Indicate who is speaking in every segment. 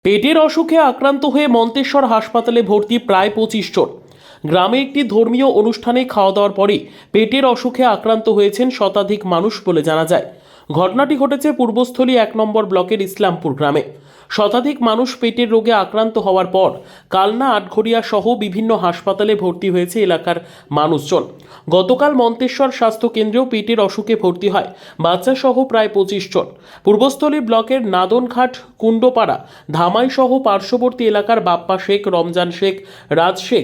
Speaker 1: পেটের অসুখে আক্রান্ত হয়ে মন্তেশ্বর হাসপাতালে ভর্তি প্রায় 25 জন। গ্রামে একটি ধর্মীয় অনুষ্ঠানে খাওয়া দাওয়ার পরই পেটের অসুখে আক্রান্ত হয়েছেন শতাধিক মানুষ বলে জানা যায়। ঘটনাটি ঘটেছে পূর্বস্থলী 1 নম্বর ব্লকের ইসলামপুর গ্রামে। শতাধিক মানুষ পেটের রোগে আক্রান্ত হওয়ার পর কালনা, আটঘরিয়া সহ বিভিন্ন হাসপাতালে ভর্তি হয়েছে এলাকার মানুষজন। গতকাল মন্তেশ্বর স্বাস্থ্য কেন্দ্রেও পেটের অসুখে ভর্তি হয় বাচ্চা সহ প্রায় 25 জন। পূর্বস্থলী ব্লকের নাদনঘাট, কুণ্ডপাড়া, ধামাই সহ পার্শ্ববর্তী এলাকার বাপ্পা শেখ, রমজান শেখ, রাজ শেখ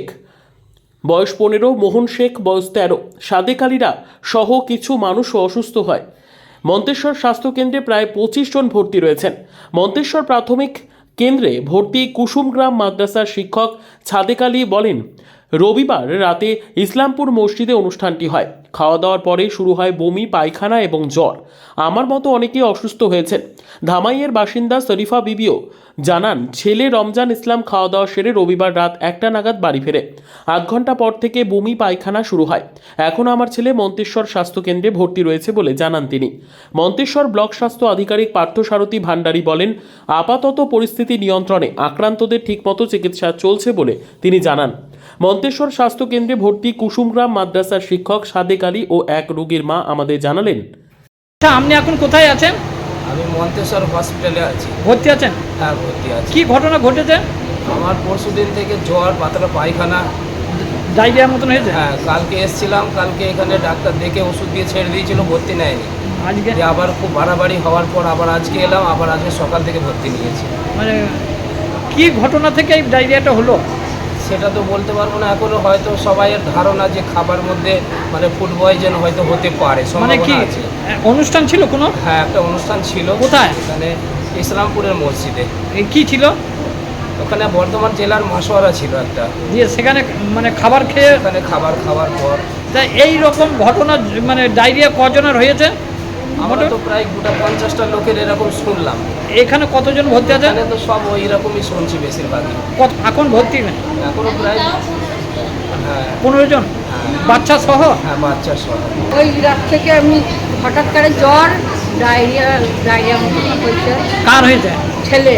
Speaker 1: বয়স 15, মোহন শেখ বয়স 13, সাদেক আলীরা সহ কিছু মানুষও অসুস্থ হয়। মন্তেশ্বর স্বাস্থ্যকেন্দ্রে প্রায় 25 জন ভর্তি রয়েছেন। মন্তেশ্বর প্রাথমিক কেন্দ্রে ভর্তি কুসুমগ্রাম মাদ্রাসার শিক্ষক সাদেক আলী বলেন, রবিবার রাতে ইসলামপুর মসজিদে অনুষ্ঠানটি হয়। খাওয়া দাওয়ার পরে শুরু হয় বমি, পায়খানা এবং জ্বর। আমার মতো অনেকেই অসুস্থ হয়েছেন। ধামাইয়ের বাসিন্দা শরীফা বিবিও জানান, ছেলে রমজান ইসলাম খাওয়া দাওয়া সেরে রবিবার রাত 1টা নাগাদ বাড়ি ফেরে। 8 ঘন্টা পর থেকে বমি, পায়খানা শুরু হয়। এখন আমার ছেলে মন্তেশ্বর স্বাস্থ্যকেন্দ্রে ভর্তি রয়েছে বলে জানান তিনি। মন্তেশ্বর ব্লক স্বাস্থ্য আধিকারিক পার্থসারথী ভান্ডারী বলেন, আপাতত পরিস্থিতি নিয়ন্ত্রণে, আক্রান্তদের ঠিকমতো চিকিৎসা চলছে বলে তিনি জানান। মন্তেশ্বর স্বাস্থ্যকেন্দ্রে ভর্তি কুসুমগ্রাম মাদ্রাসার শিক্ষক সাদেক আলী ও এক রোগীর মা আমাদের জানালেন,
Speaker 2: আপনি এখন কোথায় আছেন?
Speaker 3: আমি মন্তেশ্বর হসপিটালে আছি।
Speaker 2: ভর্তি আছেন?
Speaker 3: হ্যাঁ, ভর্তি আছি।
Speaker 2: কি ঘটনা ঘটেছে?
Speaker 3: আমার পরশুদিন থেকে জ্বর, পাতলা পায়খানা,
Speaker 2: ডায়রিয়ার মতন হয়েছে?
Speaker 3: হ্যাঁ, কালকে এসেছিলাম। কালকে এখানে ডাক্তার দেখে ওষুধ দিয়ে ছেড়ে দিয়েছিল, ভর্তি নেয়নি।
Speaker 2: আজকে
Speaker 3: আবার খুব বাড়াবাড়ি হওয়ার পর আবার আজকে এলাম, আবার আজকে সকাল থেকে ভর্তি নিয়েছি।
Speaker 2: মানে কি ঘটনা থেকে এই ডায়রিয়াটা হলো
Speaker 3: সেটা তো বলতে পারবো না এখনো। হয়তো সবাইয়ের ধারণা যে খাবার মধ্যে মানে ফুড পয়জন হয়তো হতে পারে,
Speaker 2: মানে কি
Speaker 3: সম্ভাবনা আছে।
Speaker 2: অনুষ্ঠান ছিল কোনো?
Speaker 3: হ্যাঁ, একটা অনুষ্ঠান ছিল।
Speaker 2: কোথায়?
Speaker 3: এখানে ইসলামপুরের মসজিদে।
Speaker 2: কি ছিল
Speaker 3: ওখানে বর্ধমান জেলার মাসোয়ারা ছিল একটা,
Speaker 2: দিয়ে সেখানে মানে খাবার খেয়ে
Speaker 3: ওখানে খাবার খাওয়ার পর
Speaker 2: তা এই রকম ঘটনা মানে ডায়রিয়া কজনের হয়েছে?
Speaker 3: আমরা তো প্রায় গোটা 50টা লোকের এরকম শুনলাম।
Speaker 2: এখানে কতজন ভর্তি আছে?
Speaker 3: এখানে তো সব ওই রকমই শুনছি বেশিরভাগই।
Speaker 2: এখন ভর্তি নেই?
Speaker 3: এখনো প্রায়
Speaker 2: 15 জন, বাচ্চা সহ?
Speaker 3: হ্যাঁ, বাচ্চা সহ।
Speaker 4: ওই রাত থেকে আমি হঠাৎ করে জ্বর, ডায়রিয়া মতো হয়েছে।
Speaker 2: কার হয়েছে?
Speaker 4: ছেলে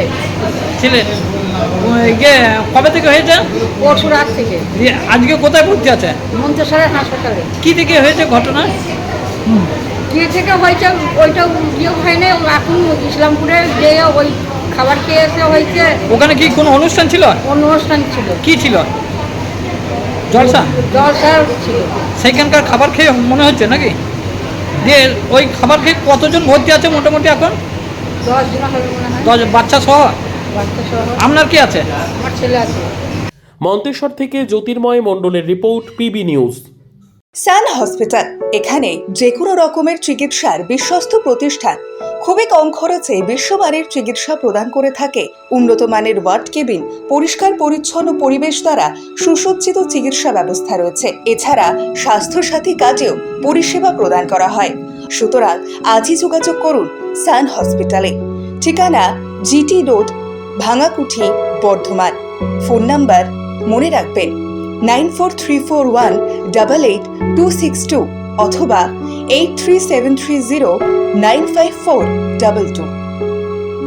Speaker 2: কবে থেকে হয়েছে?
Speaker 4: পরশু রাত থেকে।
Speaker 2: দিয়ে আজকে কোথায় ভর্তি আছে?
Speaker 4: মন্তেশ্বরের হাসপাতালে।
Speaker 2: কি থেকে হয়েছে ঘটনা?
Speaker 4: কি থেকে হয়েছে ওইটা ইয়ে হয় না, এখন ইসলামপুরে যে ওই খাবার খেয়ে এসে হয়েছে।
Speaker 2: ওখানে কি কোনো অনুষ্ঠান ছিল?
Speaker 4: অনুষ্ঠান ছিল।
Speaker 2: কি ছিল? জলসা
Speaker 4: ছিল।
Speaker 2: সেইখানকার খাবার খেয়ে মনে হচ্ছে নাকি? দিয়ে ওই খাবার খেয়ে কতজন ভর্তি আছে মোটামুটি এখন?
Speaker 4: 10 জন হবে মনে হয়।
Speaker 2: 10 বাচ্চা সহ?
Speaker 4: বাচ্চা সহ।
Speaker 2: আপনার কি আছে?
Speaker 4: আমার ছেলে আছে।
Speaker 1: মন্তেশ্বর থেকে জ্যোতির্ময় মণ্ডলের report, PB news.
Speaker 5: Sun hospital, এখানে যে কোনো রকমের চিকিৎসার বিশ্বস্ত প্রতিষ্ঠান। খুবই কম খরচে বিশ্বমানের চিকিৎসা প্রদান করে থাকে। উন্নত মানের ওয়ার্ড কেবিন, পরিষ্কার পরিচ্ছন্ন পরিবেশ দ্বারা সুসজ্জিত চিকিৎসা ব্যবস্থা রয়েছে। এছাড়া স্বাস্থ্যসাথী কাজেও পরিষেবা প্রদান করা হয়। সুতরাং আজই যোগাযোগ করুন সান হসপিটালে। ঠিকানা GT road, Bhangakuthi, Bardhaman. Phone number মনে রাখবেন 9434188262 অথবা 83730954222।